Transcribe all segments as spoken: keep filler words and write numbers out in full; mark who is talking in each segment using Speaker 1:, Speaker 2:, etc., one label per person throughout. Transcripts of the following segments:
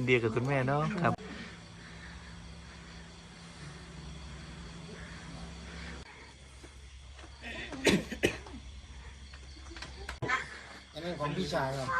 Speaker 1: ดีกับคุณแม่เนาะครับ
Speaker 2: อันนี้ของพี่ชายครับ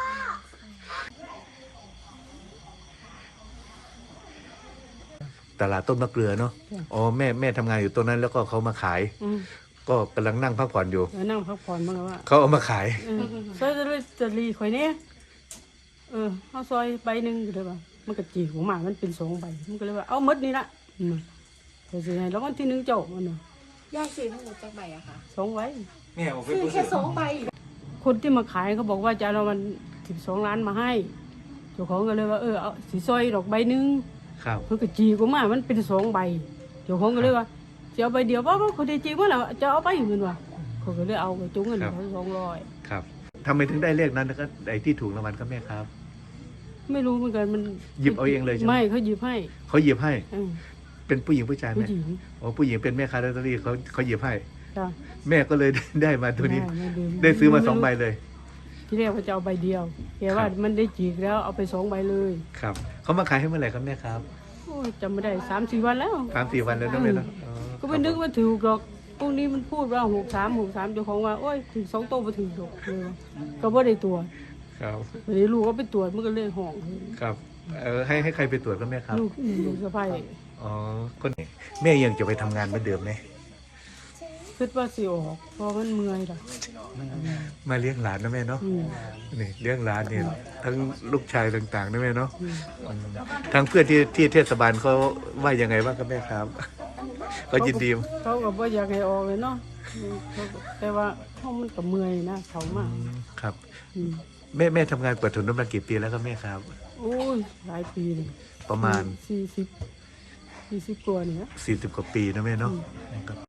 Speaker 1: ตลาดต้นมะเกลือเนาะอ๋อแม่แม่ทำงานอยู่ตรงนั้นแล้วก็เขามาขาย
Speaker 3: อืม
Speaker 1: ก็กำลังนั่งพักผ่อนอยู่
Speaker 3: เออนั่งพักผ่อนบ้างแล้วว่า
Speaker 1: เขาเอามาขาย
Speaker 3: เออซอยจะเลยจะรีข่อยเนี่ยเออเอาซอยใบหนึ่งก็เลยว่ามันก็จีของหมามันเป็นสองใบมันก็เลยว่าเอาหมดนี่ละอืมแต่สิให้แล้ววันที่หนึ่งเจ้ามันน่ะ
Speaker 4: ยายซื้อทั้งหมดจากใบอะค่ะ
Speaker 3: สองใบ
Speaker 1: แม่เอาไป
Speaker 4: ซื้อแค่สองใบ
Speaker 3: คนที่มาขายเขาบอกว่าจะเอามันสิบสองล้านมาให้เจ้าของก็เลยว่าเออเอาสีซอยดอกใบหนึ่ง
Speaker 1: ครับ
Speaker 3: เพื่อกจีของหมามันเป็นสองใบเจ้าของก็เลยว่าจะเอาใบเดียวว่าว่าคนที่จีว่าแล้วจะเอาไปเหมือนว่าเขาก็เลยเอาไปจุ้งเงินเขาสองร้อย
Speaker 1: ครับทำไมถึงได้เลขนั้นแล้วก็ไอ้ที่ถูกรางวัลครับแม่ครับ
Speaker 3: ไม่รู้เหมือนกันมัน
Speaker 1: หยิบเอาเองเลยใช่ไหม
Speaker 3: ไม่เขาหยิบให้
Speaker 1: เขาหยิบให้
Speaker 3: เออ
Speaker 1: เป็นผู้หญิงผู้ชาย
Speaker 3: ผู้
Speaker 1: แม่
Speaker 3: หญิง
Speaker 1: อ๋อผู้หญิงเป็นแม่ค้าลอตเตอรี่เขาเขาหยิบให้
Speaker 3: จ้ะ
Speaker 1: แม่ก็เลย ได้มาตัวนี้
Speaker 3: ไม่
Speaker 1: ได้ซื้อมาสองใบเลย
Speaker 3: ที่แรกเขาจะเอาใบเดียวแกว่า
Speaker 1: ครับ
Speaker 3: มันได้จีกแล้วเอาไปสองใบเลย
Speaker 1: ครับเขามาขายให้เมื่อไหร่ครับแม่ครับ
Speaker 3: โอ้ยจำไม่ได้สามสี่วันแล้ว
Speaker 1: สามสี่วันแล้วนะแม่เนาะอ๋อ
Speaker 3: ก็ไม่นึกว่าถือหรอกพวกนี้มันพูดว่าหกสามหกสามเจ้าของว่าโอ้ยถึงสองโตมาถึงหรอกเลยว่าก็บ่ได้ตัวจ
Speaker 1: ครับ
Speaker 3: วันนี้ลูกก็ไปตรวจมันก็เลยห่อง
Speaker 1: ครับเออให้ให้ใครไปตรวจครับแม่ครับ
Speaker 3: ลูกลูกสะใภ้
Speaker 1: อ๋อคนนี้แม่ยังจะไปทำงานเหมือนเดิมไหม
Speaker 3: คิดว่าสิออกเพราะมันเมื่อยล่ะ
Speaker 1: มาเลี้ยงหลานนะแม่เนาะ
Speaker 3: อืม
Speaker 1: นี่เลี้ยงหลานเนี่ยทั้งลูกชายต่างๆนะแม่เนาะอืมทางเพื่อนที่ที่เทศบาลเขาว่ายังไงบ้างครับแม่ครับก็ยินดี
Speaker 3: เขาก็บ่อยากให้ออกเลยเนาะอืมเขาก็แต่ว่าเขามันก็เมื่อยนะเขามาก
Speaker 1: อืมครับ
Speaker 3: อืม
Speaker 1: แม่แม่ทำงานเปิดถุนน้ำมันกี่ปีแล้วครับแม่ครับ
Speaker 3: โอ้ยหลายปีเลย
Speaker 1: ประมาณ
Speaker 3: สี่สิบสี่สิบกว่าเนี่ย
Speaker 1: สี่สิบกว่าปีนะแม่เนาะครับ